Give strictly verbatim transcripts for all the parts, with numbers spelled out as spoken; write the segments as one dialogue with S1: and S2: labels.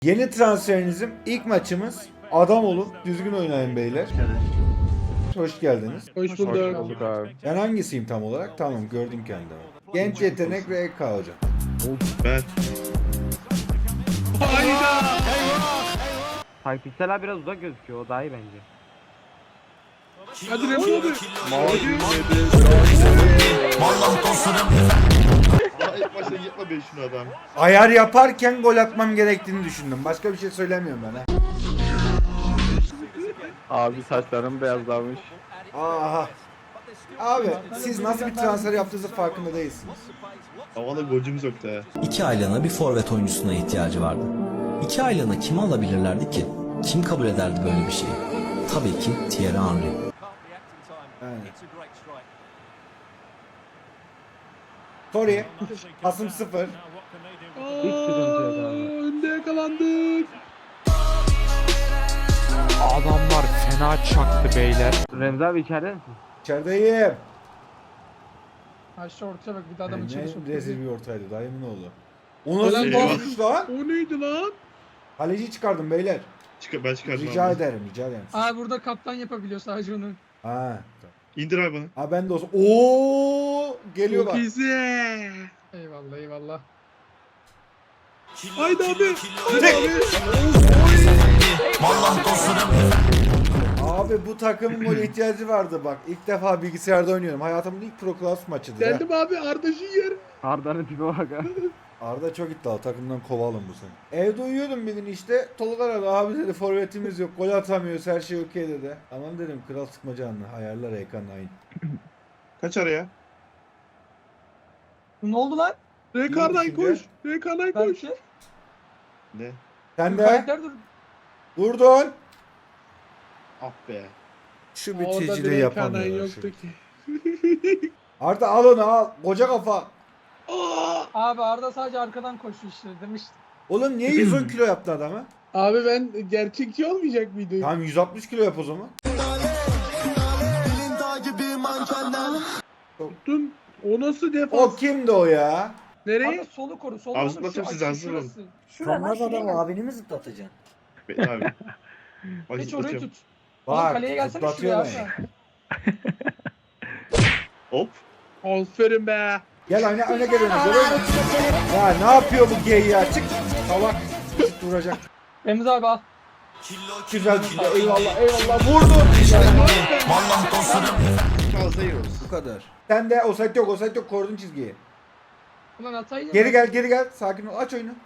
S1: Yeni transferinizim ilk maçımız. Adam olun, düzgün oynayın beyler. Hoş geldiniz.
S2: Hoş
S3: Hoş
S2: bulduk.
S3: bulduk abi.
S1: Ben hangisiyim tam olarak? Tamam, gördüm kendimi. Genç yetenek R K hocam.
S4: Ben.
S2: Hayda.
S3: Hypixel abi biraz uzak gözüküyor. O daha iyi bence.
S2: Hadi Remzi abi.
S4: Daha ilk başta yapma be şunu adam.
S1: Ayar yaparken gol atmam gerektiğini düşündüm. Başka bir şey söylemiyorum ben ha.
S3: Abi saçlarım beyazlamış.
S1: Aha. Abi siz nasıl bir transfer yaptığınızı farkında değilsiniz.
S4: Havada golcümüz yoktu ha.
S5: İki aylığına bir forvet oyuncusuna ihtiyacı vardı. İki aylığına kimi alabilirlerdi ki? Kim kabul ederdi böyle bir şeyi? Tabii ki Thierry Henry.
S1: Yani. Sorry. Pasım sıfır.
S3: Hiç sıkıntı yok abi.
S2: Önde yakalandık.
S6: Adamlar fena çaktı beyler.
S3: Remzi abi içeride misin?
S1: İçerideyim.
S2: Aşağı ortaya bak bir de adamın içeri
S1: Ne
S2: soktu.
S1: rezil bir ortaydı dayımın oğlu. O nasıl
S2: Ulan
S1: bir
S4: eyvah.
S1: pasmış lan?
S2: O neydi lan?
S1: Kaleci çıkardım beyler.
S4: Çık ben çıkardım
S1: Rica
S4: abi.
S1: ederim, rica ederim.
S2: Aa burada kaptan yapabiliyor sadece onu.
S1: Ha.
S4: İndir abi bana.
S1: Ha ben de olsun. Oo geliyor
S2: Çok
S1: bak.
S2: iyisin. Eyvallah eyvallah. Haydi abi. Haydi
S1: Tek.
S2: abi.
S1: Abi bu takımın gol ihtiyacı vardı bak. İlk defa bilgisayarda oynuyorum. Hayatımın ilk Pro Class maçıdır. ha.
S2: Geldim abi Arda Jünger.
S3: Arda'nın tipe bak ha.
S1: Arda çok iddialı. Takımdan kovalım bu sene. Evde uyuyordum bir gün işte. Tolga aradı. Abi dedi forvetimiz yok. Gol atamıyoruz. Her şey okey dedi. Tamam dedim. Kral sıkma canını. Ayarlar ekran aynı.
S4: Kaç araya?
S2: Ne oldu lan? Rekarday
S1: İyi
S2: koş.
S1: düşünce.
S2: Rekarday koş.
S4: Ne?
S1: Sen de
S2: dur.
S1: durdun.
S4: Ah be.
S1: Şu
S2: Orada
S1: biticiliği
S2: bir Rekarday
S1: yapamıyorlar.
S2: yoktu
S1: Şu.
S2: ki.
S1: Arda al onu al. Koca kafa.
S2: Aa!
S7: Abi Arda sadece arkadan koşuyor işte demiştim.
S1: Oğlum niye yüz on kilo yaptı adamı?
S2: Abi ben gerçekçi olmayacak mıydı?
S1: Tamam yüz altmış kilo yap o zaman.
S2: Tuttun. O nasıl defans?
S1: O kimdi o ya?
S2: Nereye?
S7: Arda solu koru. Solu
S4: Abi
S7: koru,
S4: zıplatayım
S7: şu
S4: sizi,
S7: açı
S4: hazır olun.
S7: şurası.
S8: Sen nasıl adam abini mi zıplatacaksın?
S4: Bekle abi. Bak
S7: Geç orayı
S4: zıplatıyorum.
S7: tut. Ulan
S1: Bak
S7: kaleye gelsene
S1: zıplatıyor
S7: şuraya
S1: beni.
S7: abi.
S4: Hop.
S2: Aferin be.
S1: Gel öne öne gel öne gel öne. Ya ne yapıyor bu gay ya? Çık. Salak. Çık duracak.
S7: Remzi abi al.
S1: Güzel düşünce. Eyvallah eyvallah. Vurdu.
S4: Fazla yiyoruz.
S1: Bu kadar. Sen de offside yok offside yok. Korudun çizgiyi.
S7: Ulan ataydı.
S1: Geri gel geri gel. Sakin ol. Aç oyunu.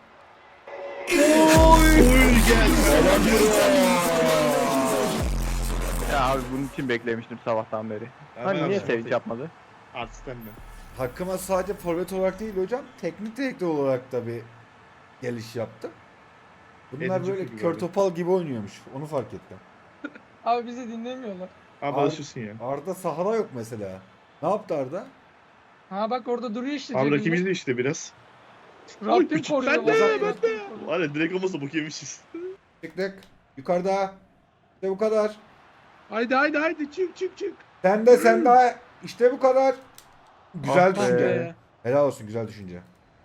S3: Ya abi bunun için beklemiştim sabahtan beri. Hani niye sevinç yapmadı?
S4: Artistten mi?
S1: Hakkıma sadece forvet olarak değil hocam. Teknik direktör olarak da bir geliş yaptım. Bunlar
S4: Edici
S1: böyle
S4: gibi
S1: kör
S4: abi.
S1: topal gibi oynuyormuş. Onu fark ettim.
S7: Abi bizi dinlemiyorlar.
S4: Abi
S1: Abi-
S4: alışırsın ya.
S1: Arda sahada yok mesela. Ne yaptı Arda?
S7: Ha bak orada duruyor işte.
S4: Abi
S7: cebinde.
S4: rakibimiz de işte biraz.
S7: Rabbim
S2: küçük,
S7: koruyor.
S2: ben de,
S7: vallahi
S2: ben de.
S7: Rabbim koruyor.
S4: Var ya direkt olmasa bok yemişiz.
S1: Çıktık. Yukarıda. İşte bu kadar.
S2: Haydi haydi haydi çık çık çık.
S1: Sen de sen de. İşte bu kadar. Güzel
S3: Ah be.
S1: düşünce.
S2: Be.
S1: Helal olsun güzel düşünce.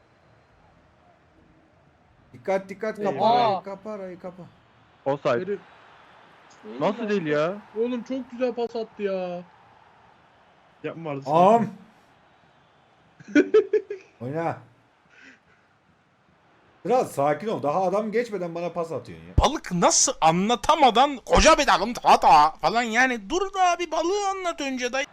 S1: Dikkat dikkat kapa
S7: Eyvah.
S1: arayı kapa arayı kapa.
S3: Offside.
S2: Herif.
S3: Nasıl değil ya?
S2: Oğlum çok güzel pas attı ya.
S4: Yapma vardı.
S1: Am. Oyna. Biraz sakin ol. Daha adam geçmeden bana pas atıyorsun ya.
S6: Balık nasıl anlatamadan koca bir dalım hata falan yani dur da bir balığı anlat önce dayı.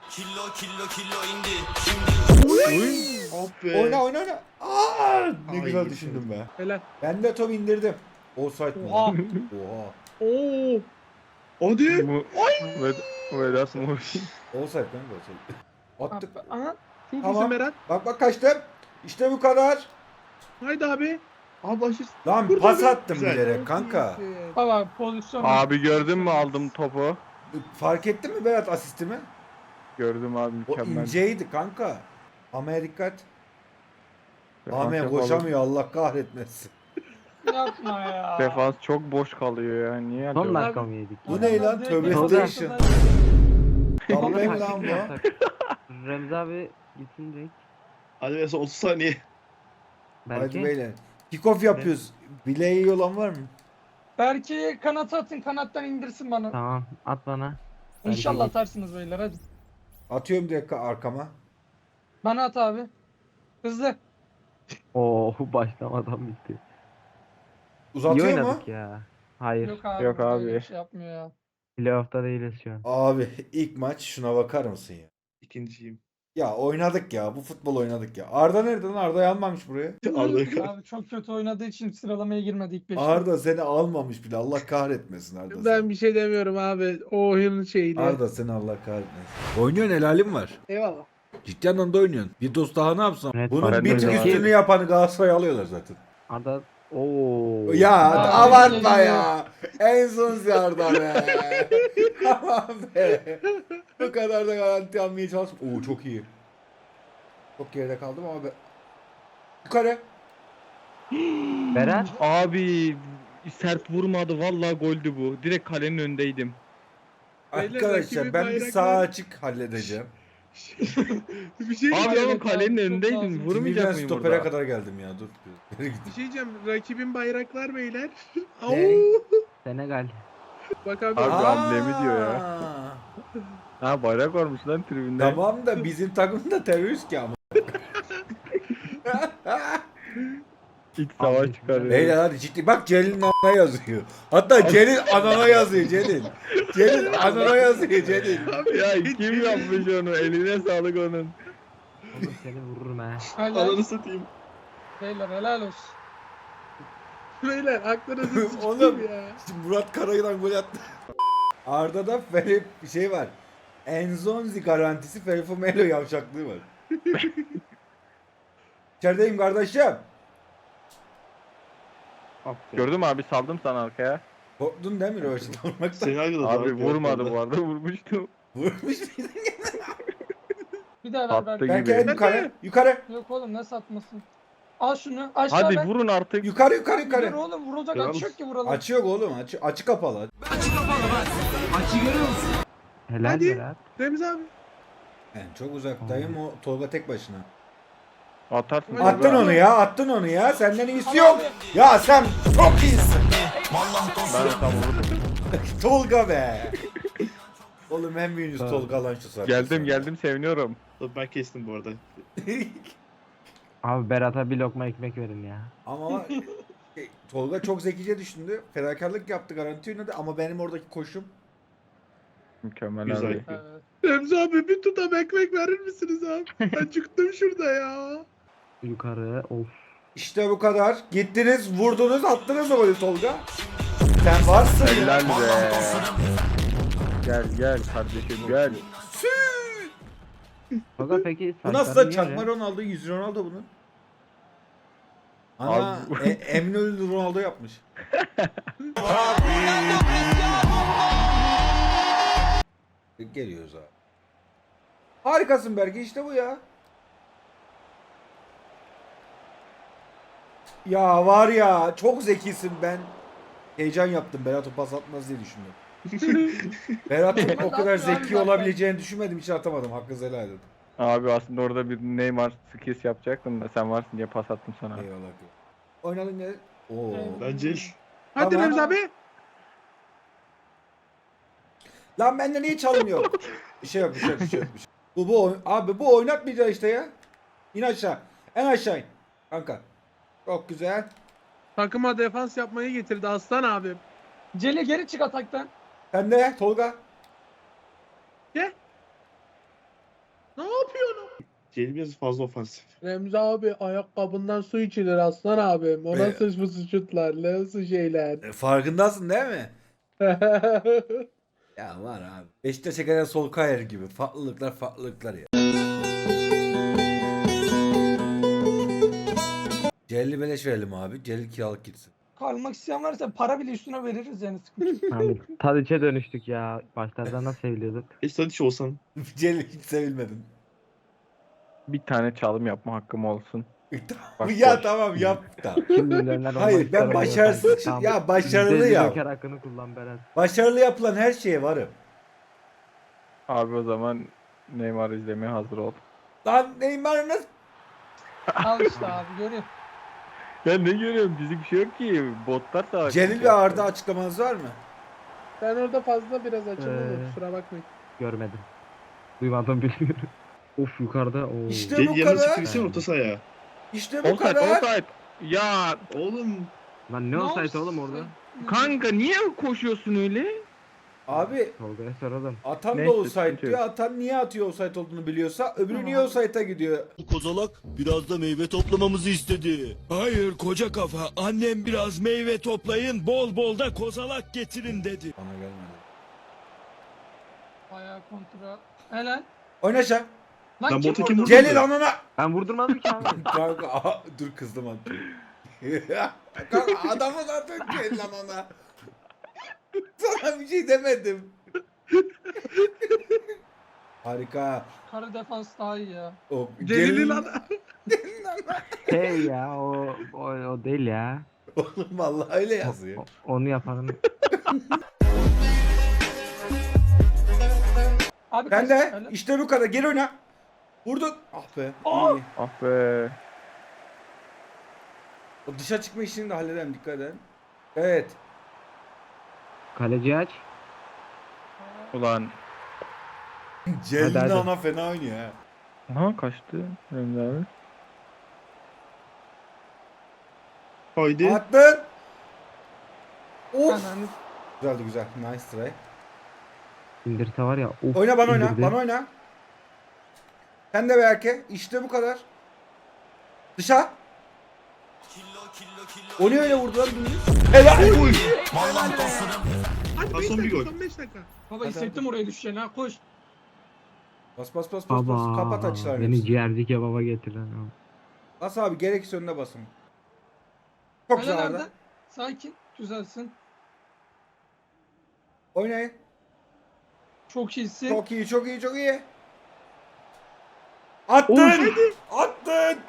S4: Ah be.
S1: Oyna oyna oyna. Aa, ne
S4: Ay,
S1: güzel
S4: yedim.
S1: düşündüm be.
S2: Helal.
S1: Ben de top indirdim. Offside mi?
S7: Oha.
S1: lan? Oha.
S2: Oo. Hadi.
S3: Bu Vedas mı?
S1: Offside lan offside. Attık.
S7: Aha.
S2: Çok
S1: Tamam.
S2: iyisin Berat.
S1: Bak bak kaçtım. İşte bu kadar.
S2: Haydi abi.
S4: Abi aşırsın.
S1: Lan
S2: Burada
S1: pas
S2: bir-
S1: attım
S4: Güzel.
S1: bilerek kanka.
S2: Çok iyisin.
S7: Baba pozisyon.
S3: Abi gördün mü aldım topu?
S1: Fark ettin mi Berat asistimi?
S3: Gördüm abi
S1: O
S3: mükemmel.
S1: inceydi kanka. Ama dikkat.
S3: Defans
S1: Ahmet
S3: yapalım.
S1: koşamıyor Allah kahretmesin.
S7: Yapma ya.
S3: Defans çok boş kalıyor ya. Niye
S7: Son
S3: acaba?
S7: dakika
S3: mı yedik?
S1: Bu ne lan? Tövbe
S3: Tövbe.
S1: station. Vallahi mi lan bu?
S3: Remzi abi gitsin direkt.
S4: Hadi mesela otuz saniye.
S1: Hadi beyler. Kick-off yapıyoruz. Bileği iyi olan var mı?
S7: Belki kanata atın, kanattan indirsin bana.
S9: Tamam at bana.
S7: İnşallah
S9: Belki-
S7: atarsınız beyler hadi.
S1: Atıyorum direkt arkama.
S7: Bana at abi. Hızlı.
S9: Oo başlamadan bitti. İyi
S1: Uzatıyor mu?
S9: oynadık ya. Hayır.
S7: Yok abi.
S3: Yok
S7: burada
S3: abi.
S7: öyle bir şey yapmıyor ya.
S9: Playoff'ta değiliz şu an.
S1: Abi ilk maç şuna bakar mısın ya?
S4: İkinciyim.
S1: Ya oynadık ya. Bu futbol oynadık ya. Arda nerede lan? Arda'yı almamış buraya.
S4: Arda
S7: Abi çok kötü oynadığı için sıralamaya girmedi ilk beşte.
S1: Arda seni almamış bile. Allah kahretmesin Arda seni.
S2: Ben bir şey demiyorum abi. O oyunun şeyini.
S1: Arda seni Allah kahretmesin. Oynuyorsun helalim var.
S2: Eyvallah.
S1: Ciddi anlamda oynuyorsun. Vidos daha ne yapsam?
S9: Evet,
S1: Bunun
S3: ben
S1: bir
S3: de
S1: tık
S3: öyle.
S1: üstünü yapanı Galatasaray alıyorlar zaten.
S9: Arda ooo.
S1: Ya
S7: Aa,
S1: abartma
S7: geliyor.
S1: ya. En son Arda be. Tamam be. Bu kadar da garanti almaya çalışma. Oo çok iyi. Çok geride kaldım ama be. Yukarı.
S9: Berat.
S3: Abi sert vurmadı vallahi goldü bu. Direkt kalenin önündeydim.
S2: Beyler,
S1: Arkadaşlar
S2: rakibin
S1: ben bir
S2: bayrakları-
S1: sağ açık halledeceğim.
S2: bir şey
S3: Abi
S2: diyeceğim.
S3: ama kalenin
S7: Çok
S3: önündeydin.
S7: lazım.
S3: Vurmayacak
S1: Ben
S3: mıyım
S1: stopere
S3: burada?
S1: kadar geldim ya dur. Geri
S2: Bir
S1: gideyim.
S2: şey diyeceğim. Rakibin bayraklar beyler. Au.
S1: Ne?
S9: Senegal.
S2: Bak abi.
S3: Abi,
S1: Aa!
S3: amblemi diyor ya. Ha bayrak varmış lan tribünde.
S1: Tamam da bizim takım da terörist ki ama.
S3: İç savaş çıkarıyor.
S1: Beyler hadi ciddi bak Celil'in anana yazıyor. Hatta Celil anana yazıyor Celil. Celil anana yazıyor Celil.
S3: Ya kim yapmış onu? Eline sağlık onun.
S9: Oğlum seni vururum ha.
S7: Helal.
S4: Ananı satayım.
S7: Beyler helal olsun.
S2: Beyler aklınızı
S1: Oğlum.
S2: sıçtım ya.
S1: Şimdi Murat Karayılan gol attı. Arda'da Ferif bir şey var. Enzonzi garantisi Ferifo Melo yavşaklığı var. İçerideyim kardeşim.
S4: Aferin.
S3: Gördün mü abi saldım sana arkaya.
S1: Korktun değil mi Röveş'te vurmaktan?
S4: Seni arkada
S3: Abi
S4: daha
S3: vurmadı
S4: gördüm.
S3: bu arada vurmuştu.
S1: Vurmuş muydun?
S7: Bir daha ver
S3: Attı
S7: Berk.
S3: gibi.
S1: Belki en yukarı. Yukarı.
S7: Yok oğlum ne satmasın. Al şunu. Aşağı
S3: Hadi
S7: ver.
S3: vurun artık.
S1: Yukarı yukarı
S7: Dur
S1: yukarı.
S7: oğlum vurulacak
S4: Helal
S7: açı yok
S4: olsun.
S7: ki vuralım.
S1: Açı yok oğlum. Açı, açı kapalı.
S9: Helal
S2: Hadi.
S9: Berat.
S2: Remzi abi.
S1: Ben çok uzaktayım o Tolga tek başına.
S3: Atarsın.
S2: Attın
S1: Attın onu ya, attın onu ya. Senden iyisi yok. Ya sen çok iyisin.
S3: Ben de tam vurdum.
S1: Tolga be. Oğlum en büyüğünüz Tolga lan şu saatte.
S3: Geldim geldim seviniyorum.
S4: Tabii ben kestim bu arada.
S9: Abi Berat'a bir lokma ekmek verin ya.
S1: Ama e, Tolga çok zekice düşündü. Fedakarlık yaptı, garanti oynadı ama benim oradaki koşum.
S3: Mükemmel
S4: Güzel.
S3: abi.
S7: Evet.
S2: Remzi abi bir tutam ekmek verir misiniz abi? Ben çıktım şurada ya.
S9: Yukarı. Of.
S1: İşte bu kadar. Gittiniz, vurdunuz, attınız o golü Tolga. Sen varsın
S3: Helal
S1: ya.
S3: be. Gel gel kardeşim gel.
S9: Fakat peki
S1: Bu nasıl da
S9: saçları
S1: çakma
S9: niye öyle?
S1: Ronaldo, yüz Ronaldo bunun. Ana
S3: Abi-
S1: e, Eminönü Ronaldo yapmış. Geliyoruz abi. Harikasın Berke, işte bu ya. Ya var ya çok zekisin, ben heyecan yaptım Berat o pas atmaz diye düşündüm. Berat'ın o kadar zeki olabileceğini düşünmedim, hiç atamadım, hakkınızı helal edin.
S3: Abi aslında orada bir Neymar skills yapacaktım da sen varsın diye pas attım sana.
S1: Eyvallah. Oynadın ne? Oo.
S4: Bence
S2: Hadi
S1: Tamam.
S2: Remzi abi.
S1: Lan bende niye çalım yok? Bir şey yok, bir şey yok, bir şey yok. bir şey yok. Bu bu oyn- abi bu oynatmayacak işte ya. İn aşağı. En aşağı in. Kanka. Çok güzel.
S2: Takıma defans yapmayı getirdi aslan abim.
S7: Celi geri çık ataktan.
S1: Sen de Tolga.
S2: Ne yapıyorsun?
S4: Celil biraz fazla ofansif.
S2: Remzi abi ayakkabından su içilir aslan abim. O
S1: Be-
S2: nasıl fısı şutlar, nasıl şeyler.
S1: E, farkındasın değil mi? Ya var abi. Beşiktaş'a gelen sol kayar gibi. Farklılıklar farklılıklar ya. Celil beleş verelim abi. Celil kiralık gitsin.
S7: Kalmak isteyen varsa para bile üstüne veririz yani sıkıntı yok.
S9: Abi Tadiç'e dönüştük ya. Başlarda nasıl seviliyorduk?
S4: E sen hiç olsan.
S1: Celil hiç sevilmedin.
S3: Bir tane çalım yapma hakkım olsun. Bak,
S1: ya
S3: boş.
S1: tamam yap da.
S9: Kim milyoner olmak
S1: Hayır, ben
S9: ister oynuyor
S1: başarısız
S9: sanki.
S1: için-
S9: Tamam.
S1: ya başarılı
S9: Yüzde yüz
S1: ya.
S9: Joker hakkını kullan Berat.
S1: Başarılı yapılan her şeye varım.
S3: Abi o zaman Neymar izlemeye hazır ol.
S1: Lan Neymar nasıl?
S7: Al işte abi görüyor.
S3: Ben ne görüyorum? Bizlik bir şey yok ki. Botlar savaş.
S1: Celil ve Arda açıklamanız var mı?
S2: Ben orada fazla biraz açılmadım
S9: Ee.
S2: kusura bakmayın.
S9: Görmedim. Duymadım bilmiyorum. Of yukarıda. Oo.
S1: İşte
S4: Celil
S1: bu
S4: yanına
S1: kadar.
S4: çıktıysan orta sahaya.
S1: İşte bu
S3: Offside,
S1: kadar.
S3: offside. Ya
S4: Oğlum.
S9: Lan ne olsaydı oğlum orada?
S3: kanka niye koşuyorsun öyle?
S1: Abi
S9: Tolga'ya soralım.
S1: atan da
S3: Neyse,
S1: offside
S3: sıkıntı
S1: diyor.
S3: yok.
S1: Atan niye atıyor offside olduğunu biliyorsa öbürü niye offside'a gidiyor?
S10: Kozalak biraz da meyve toplamamızı istedi. Hayır koca kafa, annem biraz meyve toplayın, bol bol da kozalak getirin dedi.
S1: Bana gelmedi.
S7: Bayağı kontra. Helal.
S1: Oyna aşağı.
S7: Lan
S4: Lan
S7: kim
S4: botu kim
S7: vurdu?
S4: vurdu?
S1: Celil anana.
S9: Ben vurdurmadım ki abi.
S1: Kanka aha, dur kızdım attı. Kanka adamı zaten Celil anana. Sana bir şey demedim. Harika.
S7: Kara defans daha iyi ya.
S1: O
S2: Celil'in ana.
S9: Şey ya o, o, o değil ya.
S1: Oğlum vallahi öyle
S9: O-
S1: yazıyor.
S9: o- onu yapanın.
S7: Abi
S1: Sen
S7: kaç-
S1: de
S7: helal.
S1: işte bu kadar. Geri oyna. Vurdun. Ah be. iyi.
S3: Ah be.
S1: O dışa çıkma işini de halledelim, dikkat edin. Evet.
S9: Kaleci aç.
S3: Ulan.
S1: Celil'in
S9: hadi.
S1: ana fena oynuyor ha.
S3: Aha kaçtı. Remzi abi.
S4: Haydi.
S1: Attın. Of.
S7: Ananı-
S1: Güzeldi güzel. Nice try.
S9: İndirse var ya. Of,
S1: Oyna bana oyna.
S9: indirdi.
S1: Bana oyna. Sen de Berke. İşte bu kadar. Dışa. O niye öyle vurdu lan dümdüz? Helal.
S2: Hadi
S4: Ha,
S2: beş
S4: son bir
S2: dakika
S4: gol.
S2: son beş dakika.
S7: Baba hissettim oraya düşeceğini ha koş.
S1: Bas bas bas bas bas. Kapat
S9: Baba
S1: açılar.
S9: beni ciğerci kebaba getiren o.
S1: Bas abi, gerekirse önüne basın. Çok
S7: Helal
S1: güzel
S7: Arda.
S1: Arda.
S7: Sakin. Güzelsin.
S1: Oynayın.
S7: Çok iyisin.
S1: Çok iyi, çok iyi, çok iyi. Attın! Attın!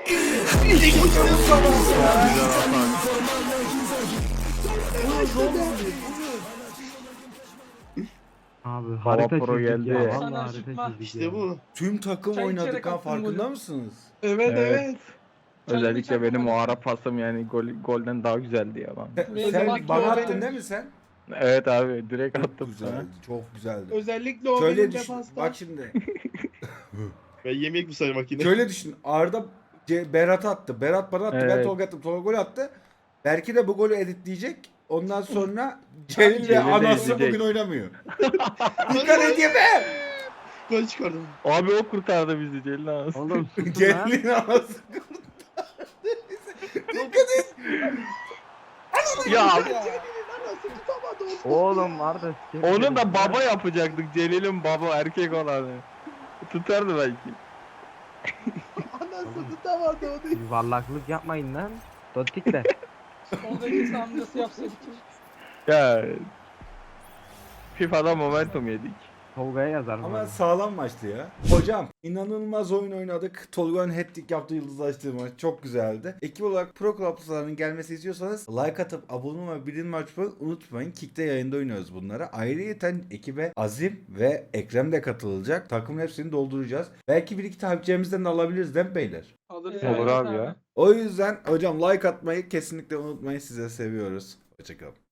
S9: Abi
S3: Hava
S9: harita
S3: pro
S9: çizdik
S3: geldi.
S9: ya.
S7: Sana
S9: Vallahi
S7: şıkma.
S9: harita çizdik
S4: İşte
S9: ya.
S4: bu.
S1: Tüm takım
S7: Çay
S1: oynadık
S7: içerek
S1: ha,
S7: attın
S1: farkında
S7: golü.
S1: mısınız?
S2: Evet
S3: Evet.
S2: evet.
S3: Özellikle
S7: Çay
S3: benim o
S7: içerken
S3: ara pasım yani gol, golden daha güzeldi ya lan.
S7: Neyse,
S1: Sen
S7: bak
S1: bana
S7: ya,
S1: attın
S7: benim-
S1: değil mi sen?
S3: Evet abi direkt
S1: Çok
S3: attım sana.
S1: güzeldi, çok güzeldi.
S2: Özellikle o
S1: Şöyle
S2: benim
S1: düşün,
S2: defansta.
S1: bak şimdi.
S4: Ben yemek bu sayı makine.
S1: Şöyle düşün, Arda C- Berat attı, Berat bana attı, ben
S3: Evet.
S1: Tolga attım, Tolga gol attı. Belki de bu golü editleyecek. Ondan sonra Celil ve
S3: Celil de
S1: anası
S3: izleyecek.
S1: bugün oynamıyor. Dikkat et yeme!
S4: Gol çıkardım.
S3: Abi o kurtardı bizi Celil ağası.
S9: Oğlum susun lan.
S1: Celil'in anası kurtardı. Dikkat et!
S3: Ya
S2: Anası tutamadı o.
S9: Oğlum Arda sikerim
S3: onu
S9: seni.
S3: da baba yapacaktık. Celil'in baba erkek olanı. Tutardı belki.
S2: Anası tutamadı o değil.
S9: Yuvarlaklık yapmayın lan. Dotikle.
S7: Soldaki amcası yapsaydık.
S3: Ya FIFA'da momentum yedik.
S9: Tolga'ya yazar mı?
S1: Ama sağlam maçtı ya. Hocam inanılmaz oyun oynadık. Tolga'nın hat-trick yaptığı yıldızlaştığı maç çok güzeldi. Ekip olarak Pro Club'ların gelmesi istiyorsanız like atıp abone olmayı ve bildirim açmayı unutmayın. Kick'te yayında oynuyoruz bunlara. Ayrıca ekibe Azim ve Ekrem de katılacak. Takımın hepsini dolduracağız. Belki bir iki takipçilerimizden de alabiliriz değil mi beyler?
S7: Alırız.
S3: Olur
S7: Evet
S3: abi ya.
S1: O yüzden hocam like atmayı kesinlikle unutmayın. Size seviyoruz. Hoşçakalın.